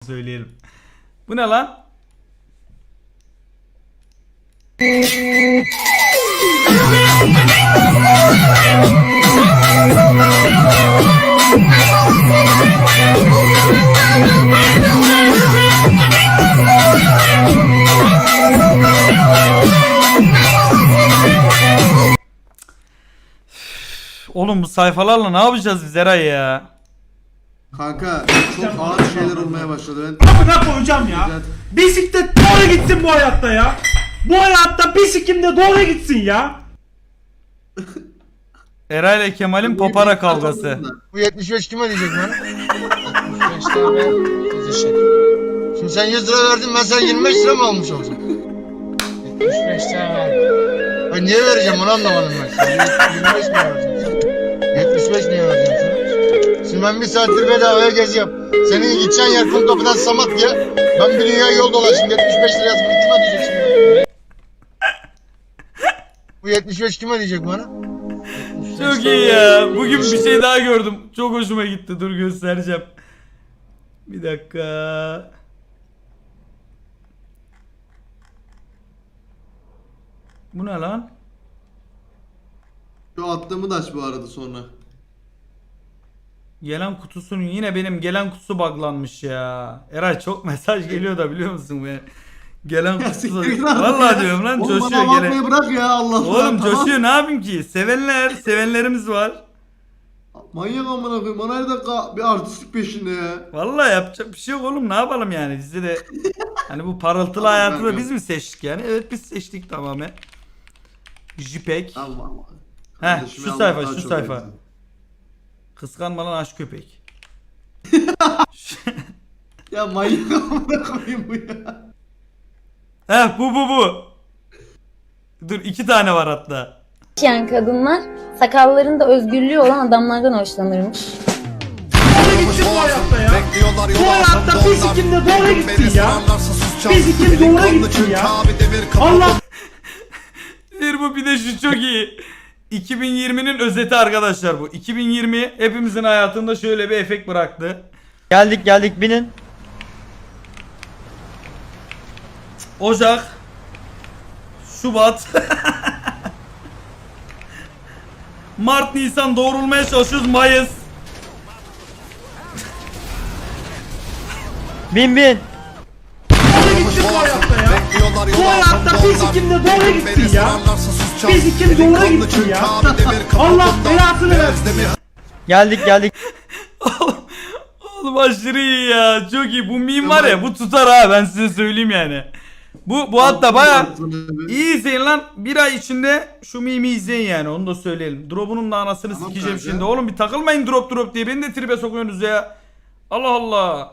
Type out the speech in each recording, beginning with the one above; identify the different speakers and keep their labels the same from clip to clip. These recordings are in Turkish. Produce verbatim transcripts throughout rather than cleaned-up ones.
Speaker 1: söyleyelim. Bu ne lan? Oğlum bu sayfalarla ne yapacağız biz Eray ya?
Speaker 2: Kanka çok ağır şeyler olmaya başladı. Ben
Speaker 3: Amına koyacağım ya. Bisiklet doğru gitsin bu hayatta ya. Bu hayatta bisiklet de doğru gitsin ya.
Speaker 1: Eray ile Kemal'in papara kavgası.
Speaker 4: Bu yetmiş beş kime diyecek bana? yetmiş beş tane diyecek. Şimdi sen yüz lira verdin, ben sen yirmi beş lira mı almış olacağım? yetmiş beş tane verdim. Ay niye vereceğim onu anlamadım ben. Sen yirmi beş mi vereceksin? yetmiş beş niye vereceğim sana? Şimdi ben bir saattir bedavaya geziyorum. Senin gideceğin yer kum kapıdan Samatya. Ben bir dünya yol dolaştım. yetmiş beş lira yazmış. Kime diyecek şimdi? Bu yetmiş beş kime diyecek bana?
Speaker 1: Çok iyi ya. Bugün bir şey daha gördüm. Çok hoşuma gitti. Dur göstereceğim. Bir dakika. Bu ne lan?
Speaker 2: şu attığımı da aç bu arada sonra.
Speaker 1: Gelen kutusunun yine benim gelen kutusu buglanmış ya. Eray çok mesaj geliyor da biliyor musun be? Gelen kutusu. Vallahi diyorum lan
Speaker 2: Oğlum
Speaker 1: coşuyor
Speaker 2: bana
Speaker 1: gelen.
Speaker 2: bakmayı bırak ya Allah Allah.
Speaker 1: Oğlum
Speaker 2: tamam.
Speaker 1: coşuyor ne yapayım ki? Sevenler, sevenlerimiz var.
Speaker 2: Manyak amına koyayım. Bana her dakika bir artistlik peşinde ya.
Speaker 1: Vallahi yapacak bir şey yok oğlum ne yapalım yani bizde de hani bu parıltılı
Speaker 2: Tamam,
Speaker 1: hayatı da
Speaker 2: kanka.
Speaker 1: biz mi seçtik yani? Evet biz seçtik tamamen. Jipek.
Speaker 2: Allah Allah.
Speaker 1: Heh
Speaker 2: Kardeşime
Speaker 1: şu
Speaker 2: Allah
Speaker 1: sayfa
Speaker 2: daha
Speaker 1: şu
Speaker 2: çok
Speaker 1: sayfa.
Speaker 2: versin.
Speaker 1: Kıskanma lan aşk köpek.
Speaker 2: Ya manyak amına koyayım bu ya.
Speaker 1: Heh bu bu bu. Dur iki tane var hatta.
Speaker 5: yaşayan kadınlar sakallarında özgürlüğü olan adamlardan hoşlanırmış.
Speaker 3: Doğru gitsin bu hayatta ya. Bu hayatta bisiklet de doğru gitsin ya. Bisiklet doğru gitsin ya. Allah.
Speaker 1: Bir bu bir de şu çok iyi. iki bin yirminin özeti arkadaşlar bu. iki bin yirmi hepimizin hayatında şöyle bir efekt bıraktı.
Speaker 6: Geldik geldik binin.
Speaker 1: Ocak, Şubat, Mart, Nisan doğrulmaya çalışıyoruz. Mayıs.
Speaker 6: Bin bin.
Speaker 3: Doğru gitsin bu hayatta ya. Bu hayatta bisiklet de doğru gitsin ya. Bisiklet doğru gitsin ya. Allah belasını versin ya.
Speaker 6: Geldik geldik.
Speaker 1: Oğlum, oğlum aşırı iyi ya. Çok iyi. Bu meme var ya bu tutar ha ben size söyleyeyim yani. Bu bu hatta baya iyi izleyin lan. Bir ay içinde şu meme'i izleyin yani onu da söyleyelim. Drop'unun da anasını
Speaker 2: Tamam
Speaker 1: sikeceğim
Speaker 2: kanka.
Speaker 1: şimdi. Oğlum bir takılmayın drop drop diye beni de tribe sokuyorsunuz ya. Allah Allah.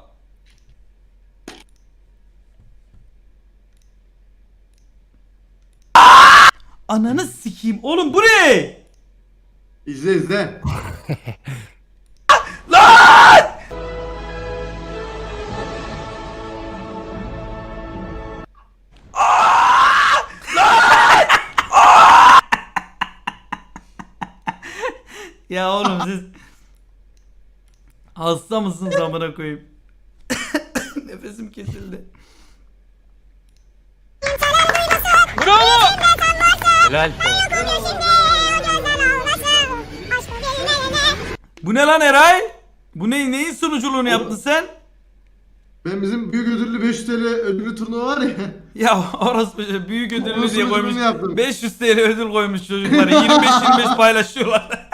Speaker 1: Ananı sikeyim. Oğlum bu ne?
Speaker 2: İzle izle.
Speaker 1: Ya oğlum siz hasta mısınız amına koyayım? Nefesim kesildi.
Speaker 6: Helal.
Speaker 1: Bu ne lan Eray? Bu ne neyin sunuculuğunu yaptın sen?
Speaker 2: Ben bizim büyük ödüllü beş yüz T L ödüllü turnuva var ya.
Speaker 1: Ya orası büyük ödüllü
Speaker 2: Onun
Speaker 1: diye koymuş.
Speaker 2: sunuculuğunu yaptım.
Speaker 1: beş yüz T L ödül koymuş çocuklara. yirmi beş yirmi beş paylaşıyorlar.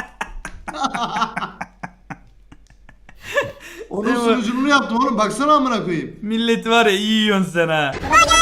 Speaker 2: Onun
Speaker 1: Değil mi?
Speaker 2: sunuculuğunu yaptım oğlum. Baksana amına koyayım.
Speaker 1: Milleti var ya iyi yiyorsun sen ha.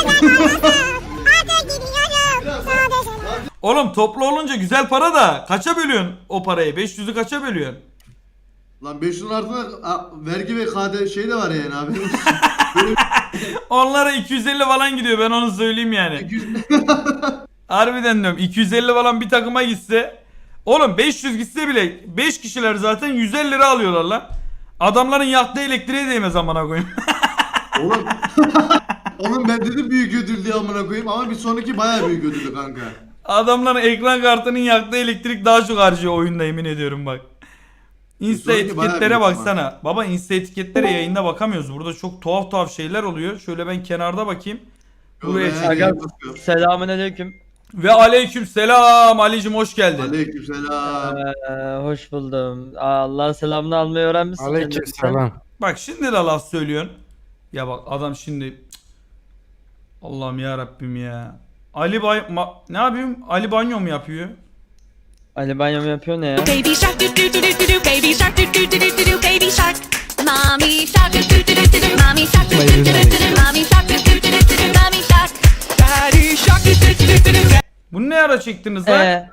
Speaker 1: Oğlum toplu olunca güzel para da kaça bölüyorsun o parayı? beş yüzü kaça bölüyorsun?
Speaker 2: Lan beş yüzün altında a, vergi ve K D şey de var yani abi.
Speaker 1: Onlara iki yüz elli falan gidiyor ben onu söyleyeyim yani.
Speaker 2: iki yüz
Speaker 1: Harbiden diyorum iki yüz elli falan bir takıma gitse. Oğlum beş yüz gitse bile beş kişiler zaten yüz elli lira alıyorlar lan. Adamların yaktığı elektriğe değmez amına koyayım.
Speaker 2: Oğlum. Oğlum ben dedim büyük ödül diye amına koyayım ama bir sonraki bayağı büyük ödüllü kanka.
Speaker 1: Adamların ekran kartının yaktığı elektrik daha çok harcıyor oyunda yemin ediyorum bak. Insta
Speaker 2: Sonraki bayağı
Speaker 1: etiketlere
Speaker 2: büyük
Speaker 1: baksana. Baba Insta etiketlere yayında bakamıyoruz. Burada çok tuhaf tuhaf şeyler oluyor. Şöyle ben kenarda bakayım. Buraya
Speaker 2: Yo,
Speaker 1: çık-
Speaker 2: ben-
Speaker 6: Aga selamünaleyküm.
Speaker 1: Ve aleyküm selam. Alicim hoş geldin.
Speaker 2: Aleykümselam.
Speaker 6: Ee, hoş buldum. Aa, Allah'ın selamını almayı öğrenmişsin.
Speaker 7: Aleykümselam.
Speaker 1: Bak şimdi de laf söylüyorsun. Ya bak adam şimdi Cık. Allah'ım ya Rabbim ya. Ali Bay Ma- ne yapayım? Ali banyo mu yapıyor?
Speaker 6: Ali banyo mu yapıyor ne ya?
Speaker 8: Baby shark do do do do do do, baby shark do do do do do do, baby shark. Mommy shark do do do do do do, mommy shark do do do do do, mommy shark do do do do do do, mommy shark. Daddy shark do do do do do do.
Speaker 1: Bunu ne ara çektiniz lan?
Speaker 6: Ee,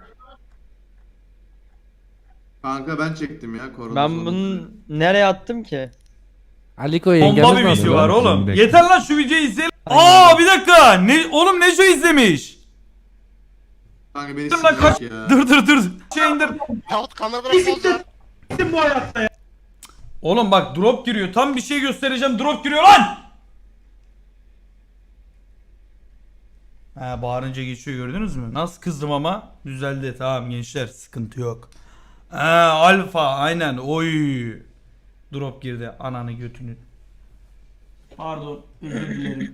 Speaker 2: Kanka ben çektim ya korona
Speaker 6: ben
Speaker 2: sonunda.
Speaker 6: bunu nereye attım ki?
Speaker 7: Aliko yengemiz
Speaker 1: Bomba bir
Speaker 7: var
Speaker 1: video
Speaker 7: lan
Speaker 1: var
Speaker 7: bizim
Speaker 1: oğlum.
Speaker 7: de.
Speaker 1: Yeter lan şu videoyu izleyelim. Aa bir dakika. Ne oğlum ne şu izlemiş?
Speaker 2: Kanka beni
Speaker 1: Dur lan kaç.
Speaker 2: sikecek ya.
Speaker 1: Dur dur dur. Şey indir.
Speaker 3: Gittim bu hayatta ya.
Speaker 1: Oğlum bak drop giriyor. Tam bir şey göstereceğim. Drop giriyor lan. Ha bağırınca geçiyor gördünüz mü? Nasıl kızdım ama düzeldi. Tamam gençler sıkıntı yok. Ha alfa aynen. Oy. Drop girdi. Ananı götünü. Pardon. Özür dilerim.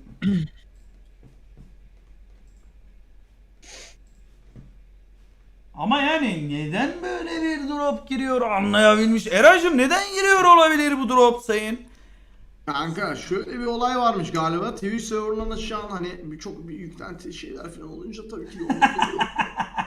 Speaker 1: Ama yani neden böyle bir drop giriyor anlayabilmiş. Eracım neden giriyor olabilir bu drop sayın?
Speaker 2: Kanka şöyle bir olay varmış galiba. Twitch serverlarında şu an hani çok bir yüklenti şeyler falan olunca tabii ki de olabiliyor.